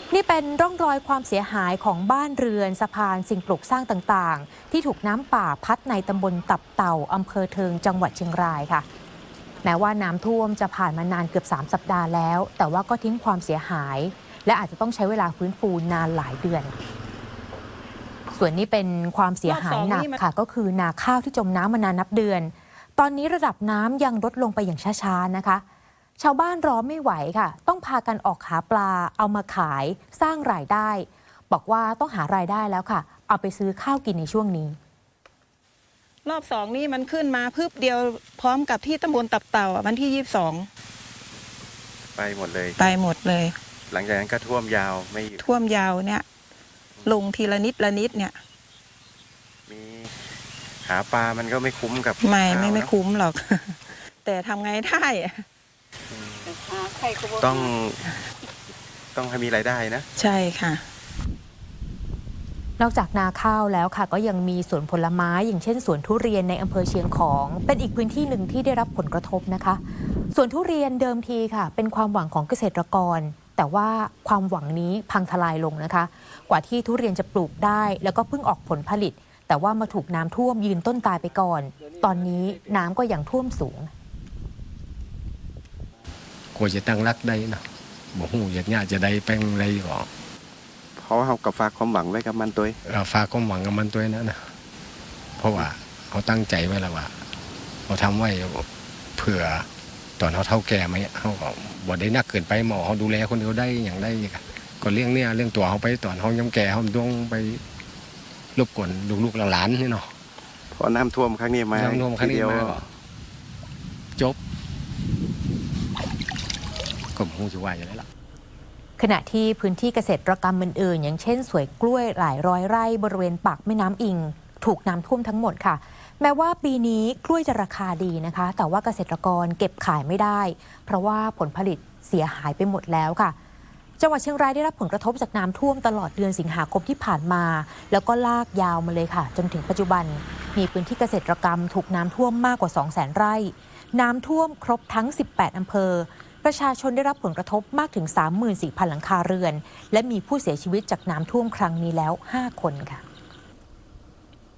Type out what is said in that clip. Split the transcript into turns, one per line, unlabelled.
นี่เป็นร่องรอยความเสียหายของบ้านเรือนสะพานสิ่งปลูกสร้างต่างๆที่ถูกน้ำป่าพัดในตำบลตับเต่าอำเภอเทิงจังหวัดเชียงรายค่ะแม้ว่าน้ำท่วมจะผ่านมานานเกือบ3 สัปดาห์แล้วแต่ว่าก็ทิ้งความเสียหายและอาจจะต้องใช้เวลาฟื้นฟูนานหลายเดือนส่วนนี้เป็นความเสียหายหนักค่ะก็คือนาข้าวที่จมน้ำมานานนับเดือนตอนนี้ระดับน้ำยังลดลงไปอย่างช้าๆนะคะชาวบ้านรอไม่ไหวค่ะต้องพากันออกหาปลาเอามาขายสร้างรายได้บอกว่าต้องหารายได้แล้วค่ะเอาไปซื้อข้าวกินในช่วงนี้
รอบ2นี่มันขึ้นมาพึบเดียวพร้อมกับที่ตำบลตับเต่าวันที่22
ไปหมดเลย
ไปหมดเลย
หลังจากนั้นก็ท่วมยาวไม่
ท่วมยาวเนี่ยลงทีละนิดละนิดเนี่ย
มีหาปลามันก็ไม่คุ้มกับ
ไม่คุ้มหรอกแต่ทำไงได้
ต้องให้มีรายได้นะ
ใช่ค่ะ
นอกจากนาข้าวแล้วค่ะก็ยังมีสวนผลไม้อย่างเช่นสวนทุเรียนในอำเภอเชียงของเป็นอีกพื้นที่หนึ่งที่ได้รับผลกระทบนะคะสวนทุเรียนเดิมทีค่ะเป็นความหวังของเกษตรกรแต่ว่าความหวังนี้พังทลายลงนะคะกว่าที่ทุเรียนจะปลูกได้แล้วก็เพิ่งออกผลผลิตแต่ว่ามาถูกน้ำท่วมยืนต้นตายไปก่อนตอนนี้น้ำก็ยังท่วมสูง
กว่าจะตั้งรักได้นะบอกหูอยากเนี่ยจะได้แป้งอะไรก่อน
เพราะว่าเขากับฝากความหวังไว้กับมันตัว
ฝากความหวังกับมันตัวนั้นนะเพราะว่าเขาตั้งใจไว้แล้วว่าเขาทำไว้เผื่อตอนเขาเท่าแก่ไหมเขาก็บ่ได้นักเกินไปหมอเขาดูแลคนเดียวได้อย่างได้ก็เรื่องตัวเขาไปตอนเขาย้ำแก่เขาต้องไปรบกวนลูกหลานนี่เนาะ
เพราะน้ำท่วมครั้งนี้มา
น้ำท่วมครั้งนี้มาจบก็คงจะว่าอย่างไรล่ะ
ขณะที่พื้นที่เกษตรกรรมอื่นๆอย่างเช่นสวนกล้วยหลายร้อยไร่บริเวณปากแม่น้ำอิงถูกน้ำท่วมทั้งหมดค่ะแม้ว่าปีนี้กล้วยจะราคาดีนะคะแต่ว่าเกษตรกรเก็บขายไม่ได้เพราะว่าผลผลิตเสียหายไปหมดแล้วค่ะจังหวัดเชียงรายได้รับผลกระทบจากน้ำท่วมตลอดเดือนสิงหาคมที่ผ่านมาแล้วก็ลากยาวมาเลยค่ะจนถึงปัจจุบันมีพื้นที่เกษตรกรรมถูกน้ำท่วมมากกว่า 200,000 ไร่น้ำท่วมครบทั้ง18 อำเภอประชาชนได้รับผลกระทบมากถึง 34,000 หลังคาเรือนและมีผู้เสียชีวิตจากน้ำท่วมครั้งนี้แล้ว5 คนค่ะ